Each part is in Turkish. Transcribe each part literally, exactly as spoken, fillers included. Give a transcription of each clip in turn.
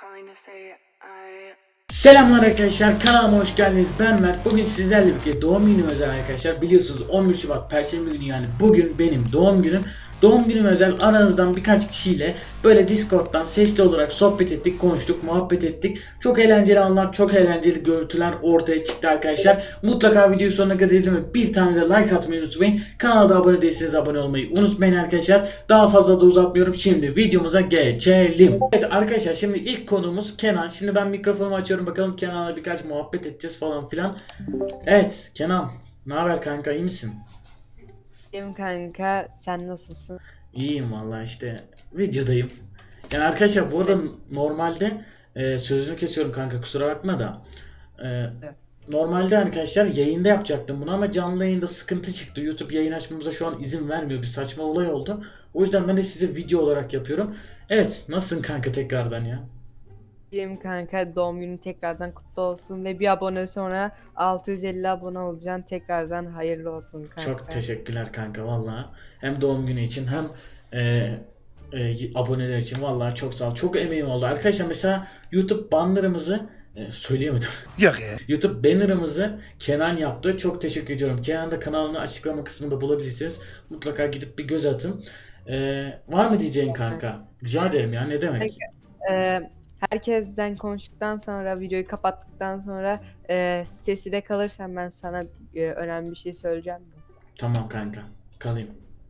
calling to say I Selamlar arkadaşlar, kanalıma hoş geldiniz. Ben Mert. Bugün sizlerle birlikte doğum günüm özel arkadaşlar. Biliyorsunuz on bir Şubat Perşembe günü, yani bugün benim doğum günüm. Doğum günüm özel aranızdan birkaç kişiyle böyle Discord'dan sesli olarak sohbet ettik, konuştuk, muhabbet ettik. Çok eğlenceli anlar, çok eğlenceli görüntüler ortaya çıktı arkadaşlar. Mutlaka videoyu sonuna kadar izlemeyi, bir tane de like atmayı unutmayın. Kanala da abone değilseniz abone olmayı unutmayın arkadaşlar. Daha fazla da uzatmıyorum. Şimdi videomuza geçelim. Evet arkadaşlar, şimdi ilk konuğumuz Kenan. Şimdi ben mikrofonumu açıyorum, bakalım Kenan'la birkaç muhabbet edeceğiz falan filan. Evet Kenan, ne haber kanka, iyi misin? İyiyim kanka, sen nasılsın? İyiyim vallahi, işte videodayım. Yani arkadaşlar bu arada normalde e, sözünü kesiyorum kanka, kusura bakma da. E, Evet. Normalde arkadaşlar yayında yapacaktım bunu ama canlı yayında sıkıntı çıktı. YouTube yayın açmamıza şu an izin vermiyor. Bir saçma olay oldu. O yüzden ben de size video olarak yapıyorum. Evet, nasılsın kanka tekrardan ya? İyiyim kanka, doğum günün tekrardan kutlu olsun ve bir abone sonra altı yüz elli abone olacaksın, tekrardan hayırlı olsun kanka. Çok teşekkürler kanka vallahi. Hem doğum günü için hem e, e, aboneler için vallahi çok sağ ol. Çok emeğim oldu. Arkadaşlar mesela YouTube bannerımızı e, söyleyemedim. Yok ya. YouTube bannerımızı Kenan yaptı. Çok teşekkür ediyorum. Kenan da kanalını açıklama kısmında bulabilirsiniz. Mutlaka gidip bir göz atın. E, var mı diyeceğin kanka? Rica ederim ya, ne demek? Ee, herkesten konuştuktan sonra, videoyu kapattıktan sonra e, sesine kalırsan ben sana e, önemli bir şey söyleyeceğim. Tamam kanka. Kalayım.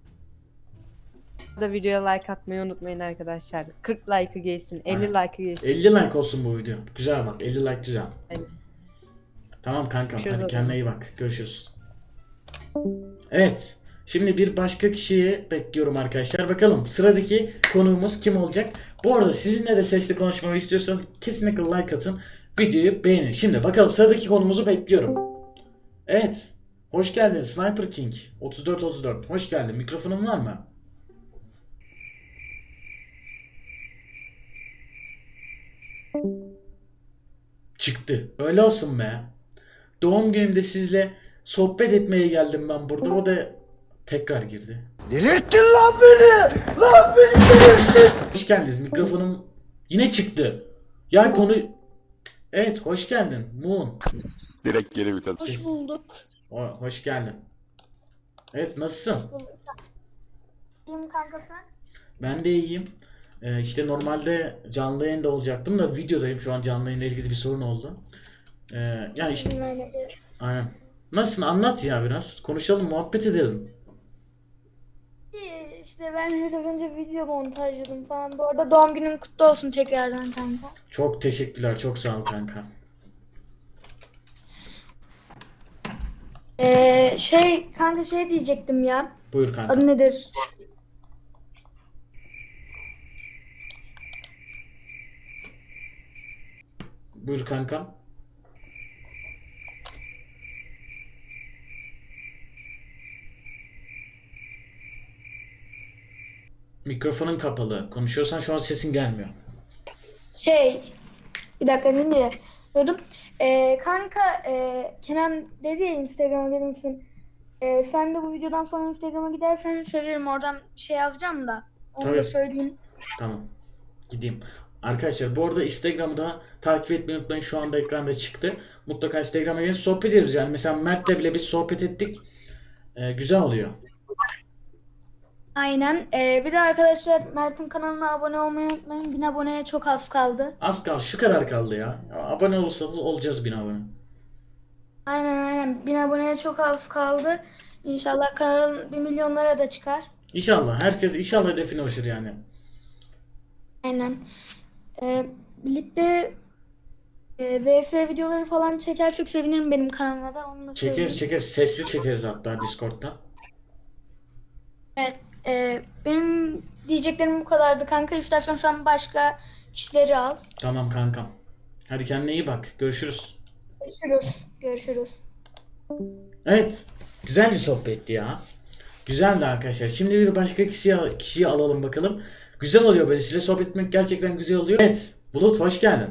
Bu da videoya like atmayı unutmayın arkadaşlar. kırk like'ı gelsin, elli like'ı gelsin. elli like olsun bu video. Güzel bak. elli like güzel. Evet. Tamam kankam. Görüşürüz Hadi o kendine zaman. iyi bak. Görüşürüz. Evet. Şimdi bir başka kişiyi bekliyorum arkadaşlar. Bakalım sıradaki konuğumuz kim olacak? Bu arada sizinle de sesli konuşmamı istiyorsanız kesinlikle like atın. Videoyu beğenin. Şimdi bakalım sıradaki konumuzu bekliyorum. Evet. Hoş geldin Sniper King. otuz dört otuz dört. Hoş geldin. Mikrofonun var mı? Çıktı. Öyle olsun be. Doğum günümde sizle sohbet etmeye geldim ben burada. O da tekrar girdi. Delirttin lan beni! Lan beni delirttin! Hoş geldiniz. Mikrofonum yine çıktı. Ya konu... Evet, hoş geldin. Moon. Direkt geri vites. Hoş bulduk. O- hoş geldin. Evet, nasılsın? İyiyim kanka sen? Ben de iyiyim. Ee, işte normalde canlı yayında olacaktım da videodayım. Şu an canlı yayınla ilgili bir sorun oldu. Ee, ya işte İzin vermedi. aynen. Nasılsın? Anlat ya biraz. Konuşalım, muhabbet edelim. İyi, İşte ben biraz önce video montajladım falan. Bu arada doğum günün kutlu olsun tekrardan kanka. Çok teşekkürler. Çok sağ ol kanka. Ee, şey kanka şey diyecektim ya. Buyur kanka. Adı nedir? Buyur kanka. Mikrofonun kapalı. Konuşuyorsan şu an sesin gelmiyor. Şey bir dakika dinle. Diyordum. Ee, kanka e, Kenan dedi ya Instagram'a gelir misin? Ee, sen de bu videodan sonra Instagram'a gidersen sevinirim. Oradan bir şey yazacağım da. Onu Tabii. da söyleyeyim. Tamam. Gideyim. Arkadaşlar bu arada Instagram'da takip etmeyi unutmayın. Şu anda ekranda çıktı. Mutlaka Instagram'a gelin, sohbet ediyoruz. Yani mesela Mert'le bile biz sohbet ettik. Ee, güzel oluyor. Aynen. Ee, bir de arkadaşlar Mert'in kanalına abone olmayı unutmayın. bin aboneye çok az kaldı. Az kaldı. Şu kadar kaldı ya. Abone olursanız olacağız bin abone. Aynen aynen. bin aboneye çok az kaldı. İnşallah kanal bir milyonlara da çıkar. İnşallah. Herkes inşallah hedefine ulaşır yani. Aynen. Ee, birlikte e, V F videoları falan çekersek sevinirim benim kanalıma da. Onu da Çekeriz söyleyeyim. çekeriz. Sesli çekeriz hatta Discord'da. Evet. e, benim diyeceklerim bu kadardı kanka. İstersen sen başka kişileri al. Tamam kankam. Hadi kendine iyi bak. Görüşürüz. Görüşürüz. Görüşürüz. Evet. Güzel bir sohbetti ya. Güzeldi arkadaşlar. Şimdi bir başka kişiyi, kişiyi alalım bakalım. Güzel oluyor böyle. Size sohbet etmek gerçekten güzel oluyor. Evet. Bulut hoş geldin.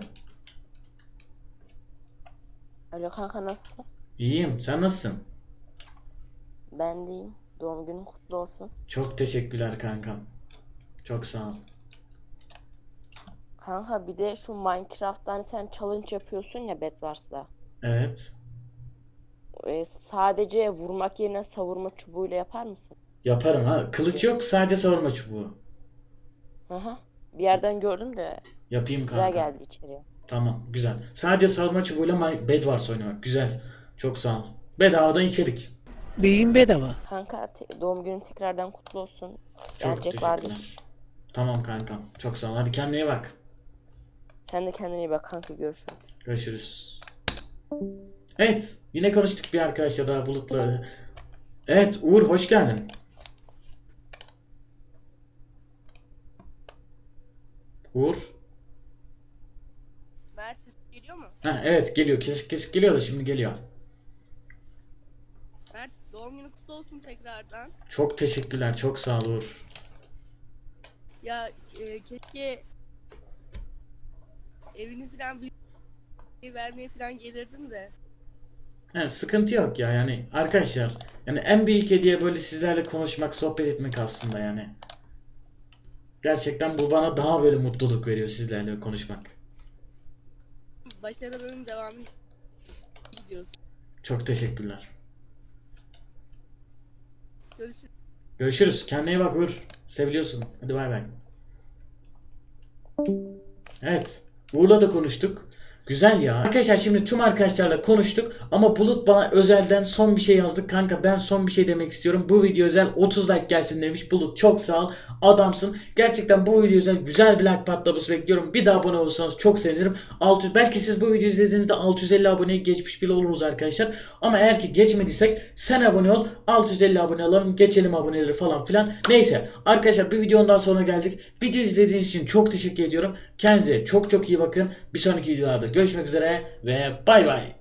Alo kanka, nasılsın? İyiyim. Sen nasılsın? Ben deyim. Doğum günün kutlu olsun. Çok teşekkürler kankam. Çok sağ ol. Kanka bir de şu Minecraft'ta hani sen challenge yapıyorsun ya Bedwars'ta. Evet. Ee, sadece vurmak yerine savurma çubuğuyla yapar mısın? Yaparım ha. Kılıç yok, sadece savurma çubuğu. Hı hı. Bir yerden gördüm de Yapayım güzel kanka. geldi içeriye. Tamam, güzel. Sadece savurma çubuğuyla My Bedwars oynamak. Güzel. Çok sağ ol. Bedavadan içerik. Beyin bedava. Kanka te- doğum günün tekrardan kutlu olsun. Çok Gelecek vardır. teşekkürler. Tamam kankam. Çok sağ ol. Hadi kendine iyi bak. Sen de kendine iyi bak kanka, görüşürüz. Görüşürüz. Evet. Yine konuştuk bir arkadaşla daha Bulut'la. Evet Uğur, hoş geldin. Uğur. Mert ses geliyor mu? Ha, evet geliyor. Kesik kesik geliyor da şimdi geliyor. Mert doğum günü kutlu olsun tekrardan. Çok teşekkürler. Çok sağ ol Uğur. Ya e, keşke evini falan bir vermeye falan gelirdim de. Yani sıkıntı yok ya yani arkadaşlar. Yani en büyük hediye böyle sizlerle konuşmak, sohbet etmek aslında yani. Gerçekten bu bana daha böyle mutluluk veriyor sizlerle konuşmak. Başarıların devamı gidiyorsun. Çok teşekkürler. Görüşürüz. Görüşürüz. Kendine iyi bak Uğur. Seviliyorsun. Hadi bay bay. Evet. Uğur'la da konuştuk. Güzel ya. Arkadaşlar şimdi tüm arkadaşlarla konuştuk ama Bulut bana özelden son bir şey yazdı. Kanka ben son bir şey demek istiyorum. Bu video özel otuz like gelsin demiş. Bulut çok sağ ol. Adamsın. Gerçekten bu video özel güzel bir like patlaması bekliyorum. Bir daha abone olursanız çok sevinirim. altı yüz, belki siz bu videoyu izlediğinizde altı yüz elli aboneye geçmiş bile oluruz arkadaşlar. Ama eğer ki geçmediysek sen abone ol. altı yüz elli abone olalım. Geçelim aboneleri falan filan. Neyse arkadaşlar bir videonun daha sonuna geldik. Video izlediğiniz için çok teşekkür ediyorum. Kendinize çok çok iyi bakın. Bir sonraki videolarda görüşmek üzere ve bay bay.